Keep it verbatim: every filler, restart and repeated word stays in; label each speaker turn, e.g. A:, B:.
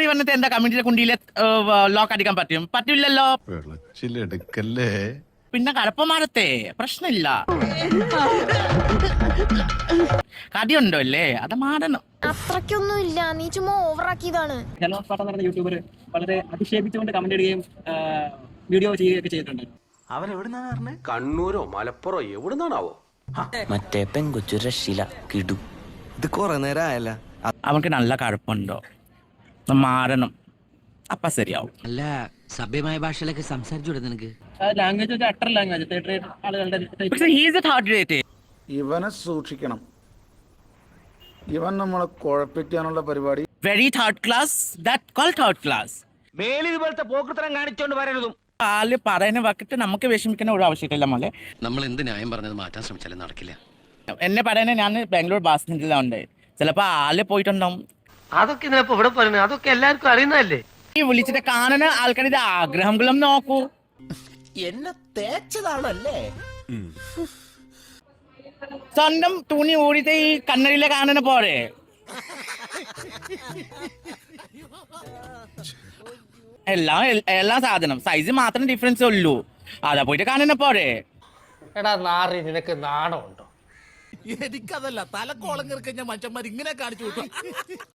A: വന്നിട്ട് എന്താ കമ്മ്യൂണിറ്റിയുടെ കുണ്ടിയിലെ ലോക്ക് അടിക്കാൻ പറ്റും? പറ്റില്ലല്ലോ. പിന്നെ കഴപ്പമാരത്തെ പ്രശ്നമില്ല. കടിയുണ്ടോ അല്ലേ? അത് മാറണം.
B: അത്രയ്ക്കൊന്നും ഇല്ല, നീ ചുമ്മാ ഓവറാക്കിയതാണ്.
C: ജനോസ്പാട്ടം എന്ന് പറഞ്ഞ യൂട്യൂബർ വളരെ അധിക്ഷേപിച്ചുകൊണ്ട് കമന്റ് ഇടുകയും വീഡിയോ ചെയ്യുകയൊക്കെ ചെയ്തിട്ടുണ്ട്.
D: അവൻ എവിടുന്നാണ് പറഞ്ഞത്?
E: കണ്ണൂരോ മലപ്പുറോ എവിടുന്നാണാവോ?
F: മറ്റേ പെങ്കൊച്ചു രക്ഷയില കിടു.
D: ഇത് കൊറേ നേരം ആയല്ല.
A: അവർക്ക് നല്ല കഴപ്പുണ്ടോ? മാറണം, അപ്പൊ ശരിയാവും.
F: അല്ല സഭ്യമായ ഭാഷയിലൊക്കെ സംസാരിച്ചൂടെ നിനക്ക്?
C: ലാംഗ്വേജ് ഒരു അട്ടർ ലാംഗ്വേജ് തേർഡ് റേറ്റ് ആളുകളുടെ
A: പക്ഷേ he is a third rate.
G: ഇവനെ സൂക്ഷിക്കണം. ഇവൻ നമ്മളെ കുഴപ്പിക്കാനുള്ള പരിപാടി.
A: Very third class, that called third class.
E: മേലിൽ ഇതുപോലത്തെ പോക്കൃത്തരം കാണിച്ചോണ്ട് വരരുതും.
A: ആള് പറയുന്ന വക്കിട്ട് നമുക്ക് വിഷമിക്കുന്ന ഒരു ആവശ്യമില്ല മോളെ.
F: നമ്മൾ എന്ത് ന്യായം പറഞ്ഞത് മാറ്റാൻ ശ്രമിച്ചാലും നടക്കില്ല.
A: എന്നെ പറയുന്നത് ഞാൻ ബാംഗ്ലൂർ ബസ് സ്റ്റാൻഡിലുണ്ട്. ചിലപ്പോ ആള് പോയിട്ടുണ്ടാവും.
E: അതൊക്കെ ഇതിനപ്പോ ഇവിടെ പറയുന്നത് അതൊക്കെ എല്ലാവർക്കും അറിയുന്നതല്ലേ.
A: ഈ വിളിച്ചിട്ട് കാണുന്ന ആൾക്കാരുടെ ആഗ്രഹങ്ങളും നോക്കൂ.
D: എന്നെ തേച്ചതാണല്ലേ?
A: സ്വന്തം തുണി ഊടിയിട്ട് ഈ കണ്ണടിയിലെ കാണുന്ന പോലെ. എല്ലാം എല്ലാ സാധനം സൈസ് മാത്രം ഡിഫറൻസ് ഉള്ളൂ. അതാ പോയിട്ട് കാണുന്ന പോലെ.
H: എടാ നാറി, നിനക്ക് നാണമുണ്ടോ?
D: എനിക്കതല്ല, തലക്കോളം കിറക്കഞ്ഞ മനുഷ്യന്മാർ ഇങ്ങനെ കാണിച്ചു വിട്ടു.